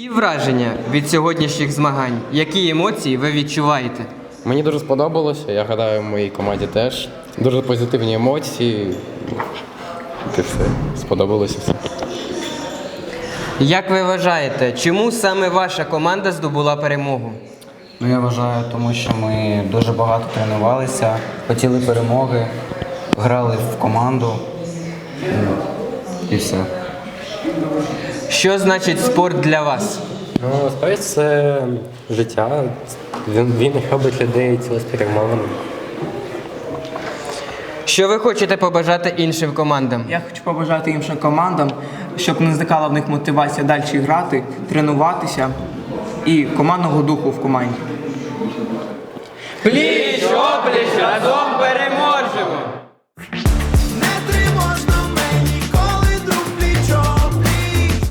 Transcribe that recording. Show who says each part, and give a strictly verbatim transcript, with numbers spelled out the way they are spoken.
Speaker 1: Які враження від сьогоднішніх змагань? Які емоції ви відчуваєте?
Speaker 2: Мені дуже сподобалося, я гадаю, моїй команді теж. Дуже позитивні емоції. І все, сподобалося все.
Speaker 1: Як ви вважаєте, чому саме ваша команда здобула перемогу?
Speaker 3: Ну, я вважаю, тому що ми дуже багато тренувалися, хотіли перемоги, грали в команду. Ну, і все.
Speaker 1: Що значить спорт для вас?
Speaker 4: Ну, спорт – це життя. Він, він робить людей цілеспрямованими.
Speaker 1: Що ви хочете побажати іншим командам?
Speaker 5: Я хочу побажати іншим командам, щоб не зникала в них мотивація далі грати, тренуватися і командного духу в команді.
Speaker 1: Пліч-опліч, разом переможемо!